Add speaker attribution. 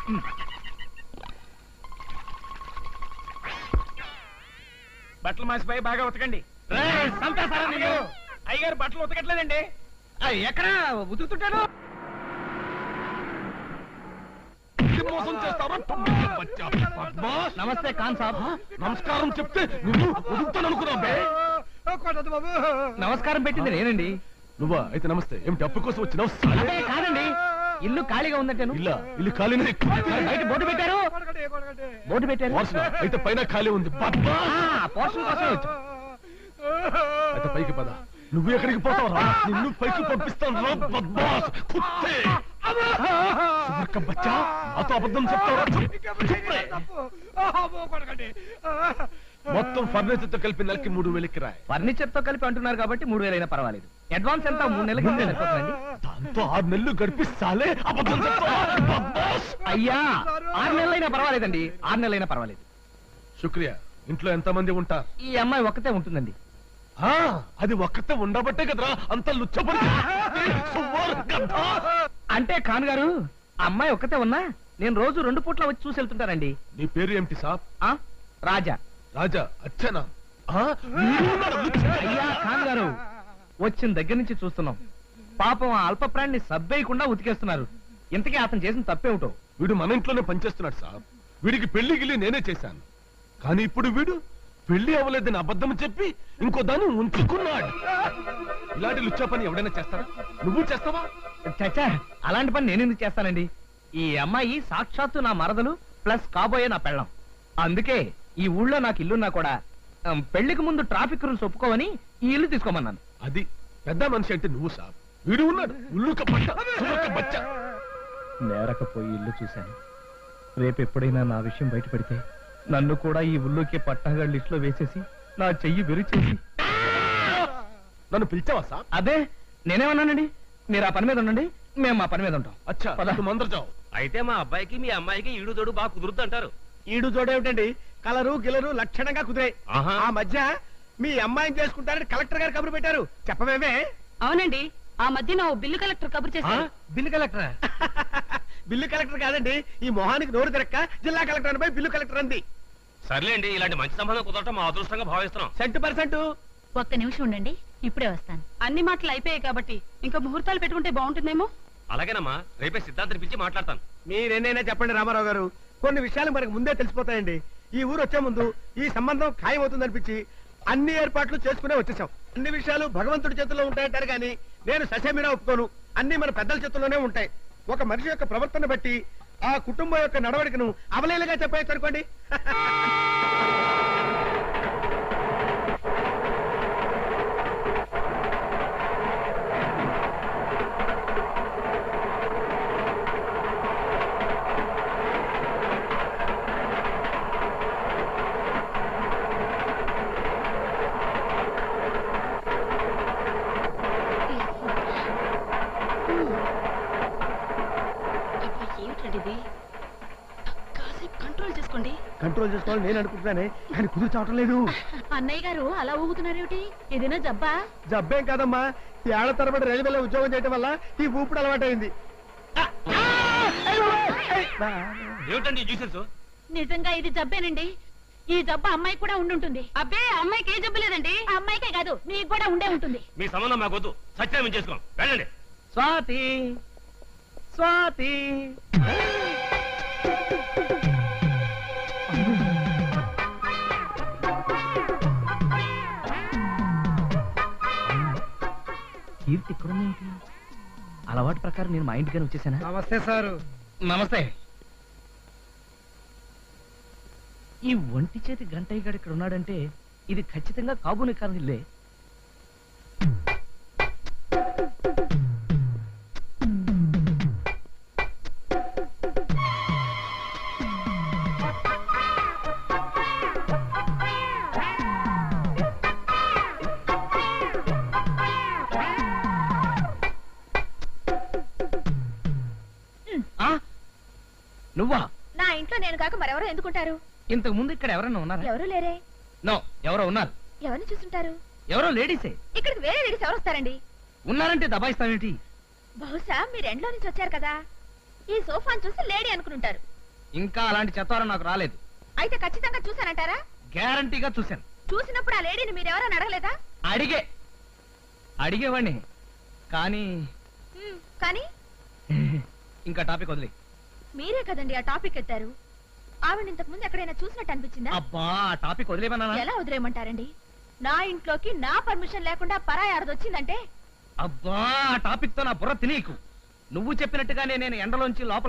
Speaker 1: బట్టలు మాసిపోయి బాగా ఉతకండి. అయ్యగారు బట్టలు ఉతకట్లేదండి.
Speaker 2: ఎక్కడ ఉతుకుతుంటాడు? నమస్తే ఖాన్ సాబ్.
Speaker 3: నమస్కారం చెప్తే నువ్వు ఉదుకుతాను అనుకున్నావు.
Speaker 2: నమస్కారం పెట్టింది నేనండి.
Speaker 3: నువ్వా? అయితే నమస్తే. ఏమిటి అప్పు కోసం వచ్చినావు?
Speaker 2: కాదండి, ఇల్లు ఖాళీగా ఉందంటాను.
Speaker 3: ఇల్లు ఖాళీనే.
Speaker 2: బయట బోర్డు పెట్టారు. బోర్డు పెట్టారు.
Speaker 3: అయితే పైన ఖాళీ ఉంది.
Speaker 2: పోర్షన్ కోసం వచ్చు.
Speaker 3: అయితే పైకి పద. నువ్వు ఎక్కడికి పోతావు రా? నిన్ను పైకి పంపిస్తాను రా బద్మాస్ కుత్తే. బచ్చా నాతో అబద్ధం చెప్తావా? మొత్తం ఫర్నిచర్ తో కలిపి నెలకి 3000 కిరాయి.
Speaker 2: ఫర్నిచర్ తో కలిపి అంటున్నారు కాబట్టి 3000 అయినా పర్వాలేదు. అడ్వాన్స్ ఎంత? 3 నెలలకి సరిపోతుందండి.
Speaker 3: దాంతో 6 నెలలు గడిపిస్తాలే. అబద్ధం చెప్తావా?
Speaker 2: అయ్యా 6 నెలలైనా పర్వాలేదండి. 6 నెలలైనా పర్వాలేదు.
Speaker 3: శుక్రియా. ఇంట్లో ఎంత మంది ఉంటారు?
Speaker 2: ఈ అమ్మాయి ఒక్కతే ఉంటుందండి.
Speaker 3: అది ఒక్కతే ఉండబట్టే కదరా అంత లుచ్చబడి.
Speaker 2: అంటే ఖాన్ గారు, అమ్మాయి ఒక్కతే ఉన్నా నేను రోజు 2 పూట్ల వచ్చి చూసి వెళ్తుంటానండి.
Speaker 3: నీ పేరు ఏమిటి సాబ్?
Speaker 2: రాజా.
Speaker 3: రాజా అచ్చనా?
Speaker 2: అయ్యా ఖాన్ గారు, వచ్చిన దగ్గర నుంచి చూస్తున్నాం. పాపం ఆ అల్ప ప్రాణిని సబ్బేయకుండా ఉతికేస్తున్నారు. ఇంతకీ అతను చేసిన తప్పేమిటో?
Speaker 3: వీడు మన ఇంట్లోనే పనిచేస్తున్నాడు సాబ్. వీడికి పెళ్లి గిల్లి నేనే చేశాను. కానీ ఇప్పుడు వీడు పెళ్లి అవ్వలేదని అబద్ధం చెప్పి ఇంకో దాన్ని ఉంచుకున్నాడు. ఇలాంటి లుచ్చా పని ఎవడైనా చేస్తారా? నువ్వు చేస్తావా?
Speaker 2: చచ్చా, అలాంటి పని నేను ఎందుకు చేస్తానండి? ఈ అమ్మాయి సాక్షాత్తు నా మరదలు ప్లస్ కాబోయే నా పెళ్ళం. అందుకే ఈ ఊళ్ళో నాకు ఇల్లున్నా కూడా పెళ్లికి ముందు ట్రాఫిక్ రూల్స్ ఒప్పుకోవని ఈ ఇల్లు తీసుకోమన్నాను.
Speaker 3: అది పెద్ద మనిషి అంటే నువ్వు సాబ్. వీడు ఉన్నాడు
Speaker 2: నేరకపోయి ఇల్లు చూశాను. రేపు ఎప్పుడైనా నా విషయం బయటపడితే నన్ను కూడా ఈ ఊళ్ళోకి పట్టాగా లిస్ట్ లో వేసేసి నా చెయ్యి విరిచేసి.
Speaker 3: నన్ను పిలిచావా సాబ్?
Speaker 2: అదే నేనేమన్నానండి. మీరు ఆ పని మీద ఉండండి, మేము మా పని మీద ఉంటాం.
Speaker 3: అచ్చా మందరు చావు.
Speaker 1: అయితే మా అబ్బాయికి మీ అమ్మాయికి ఈడు జోడు బాగా కుదురుద్దు అంటారు.
Speaker 4: ఈడు జోడేమిటండి? కలరు గిలరు లక్షణంగా కుదిరాయి. ఆ మధ్య మీ అమ్మాయిని చేసుకుంటారని కలెక్టర్ గారు కబురు పెట్టారు. చెప్పమేమే?
Speaker 5: అవునండి, ఆ మధ్య నా బిల్లు కలెక్టర్ కబురు చేశారు.
Speaker 2: Bill collector?
Speaker 4: బిల్లు కలెక్టర్ కాదండి, ఈ మొహానికి నోరు తిరక్క జిల్లా కలెక్టర్ అనిపై బిల్లు కలెక్టర్ అంది.
Speaker 1: సర్లేండి, ఇలాంటి మంచి సంబంధం కుదరటం మా అదృష్టంగా భావిస్తున్నాం.
Speaker 4: 100%.
Speaker 5: ఒక్క నిమిషం ఉండండి, ఇప్పుడే వస్తాను. అన్ని మాటలు అయిపోయాయి కాబట్టి ఇంకా ముహూర్తాలు పెట్టుకుంటే బాగుంటుందేమో.
Speaker 1: అలాగేనమ్మా, రేపే సిద్ధాంతం పిలిచి మాట్లాడతాను.
Speaker 4: మీరేనైనా చెప్పండి రామారావు గారు. కొన్ని విషయాలు మనకు ముందే తెలిసిపోతాయండి. ఈ ఊరు వచ్చే ముందు ఈ సంబంధం ఖాయం అవుతుందనిపించి అన్ని ఏర్పాట్లు చేసుకునే వచ్చేసాం. అన్ని విషయాలు భగవంతుడి చేతుల్లో ఉంటాయంటారు కానీ నేను ససేమిరా ఒప్పుకోను. అన్ని మన పెద్దల చేతుల్లోనే ఉంటాయి. ఒక మనిషి యొక్క ప్రవర్తన బట్టి ఆ కుటుంబం యొక్క నడవడికను అవలేలుగా చెప్పేసి అనుకోండి. కంట్రోల్ చేసుకోవాలి నేను అనుకుంటున్నానే, కానీ కుదురు చావటం లేదు.
Speaker 5: అన్నయ్య గారు అలా ఊగుతున్నారేమిటి? ఏదైనా జబ్బా?
Speaker 4: జబ్బేం కాదమ్మా, ఈ ఏళ్ల తరబడి రైల్వేలో ఉద్యోగం చేయడం వల్ల ఈ ఊపిడి అలవాటైంది.
Speaker 5: నిజంగా ఇది జబ్బేనండి. ఈ జబ్బు అమ్మాయి కూడా ఉండుంటుంది. అబ్బే, అమ్మాయికి ఏ జబ్బు లేదండి. అమ్మాయికే కాదు, మీకు కూడా ఉండే ఉంటుంది.
Speaker 1: మీ సంబంధం మాకొద్దు, సత్యం చేసుకోం. వెళ్ళండి.
Speaker 2: స్వాతి, స్వాతి. కీర్తి ఇక్కడుందేంటి? అలవాటు ప్రకారం నేను మా ఇంటికని వచ్చేసానా?
Speaker 4: నమస్తే సారు.
Speaker 2: నమస్తే. ఈ ఒంటి చేతి గంటయ్య గారు ఇక్కడ ఉన్నాడంటే ఇది ఖచ్చితంగా కాబోని కారణం ఇల్లే. నువ్వా?
Speaker 5: నా ఇంట్లో నేను కాక మరెవరో ఎందుకుంటారు?
Speaker 2: ఇంతకు ముందు ఇక్కడ ఎవరన్నా ఉన్నారా?
Speaker 5: ఎవరు లేరే.
Speaker 2: నో, ఎవరో ఉన్నారు.
Speaker 5: ఎవరిని చూస్తుంటారు?
Speaker 2: ఎవరో లేడీసే.
Speaker 5: ఇక్కడికి వేరే లేడీస్ ఎవరు వస్తారండి?
Speaker 2: ఉన్నారంటే దబాయిస్తావేంటి?
Speaker 5: బహుశా మీరు ఎండ్లో నుంచి వచ్చారు కదా, ఈ సోఫాను చూసి లేడీ అనుకుంటారు.
Speaker 2: ఇంకా అలాంటి చెత్తారం నాకు రాలేదు.
Speaker 5: అయితే ఖచ్చితంగా చూసానంటారా?
Speaker 2: గ్యారంటీగా చూశాను.
Speaker 5: చూసినప్పుడు ఆ లేడీని మీరెవరని అడగలేదా?
Speaker 2: అడిగేవాడిని కానీ
Speaker 5: కానీ
Speaker 2: ఇంకా టాపిక్ వదిలే.
Speaker 5: మీరే కదండి ఆ టాపిక్ ఎత్తారు. ఆవిడ ఇంతకు ముందు ఎక్కడైనా చూసినట్టు అనిపించిందా?
Speaker 2: అబ్బా ఆ టాపిక్ వదిలేమన్నా?
Speaker 5: ఎలా వదిలేయమంటారండి? నా ఇంట్లోకి నా పర్మిషన్ లేకుండా పరాయి ఆడదొచ్చిందంటే
Speaker 2: అబ్బా ఆ టాపిక్ తో నా బుర్ర తినీకు. నువ్వు చెప్పినట్టుగానే నేను ఎండలోంచి లోపల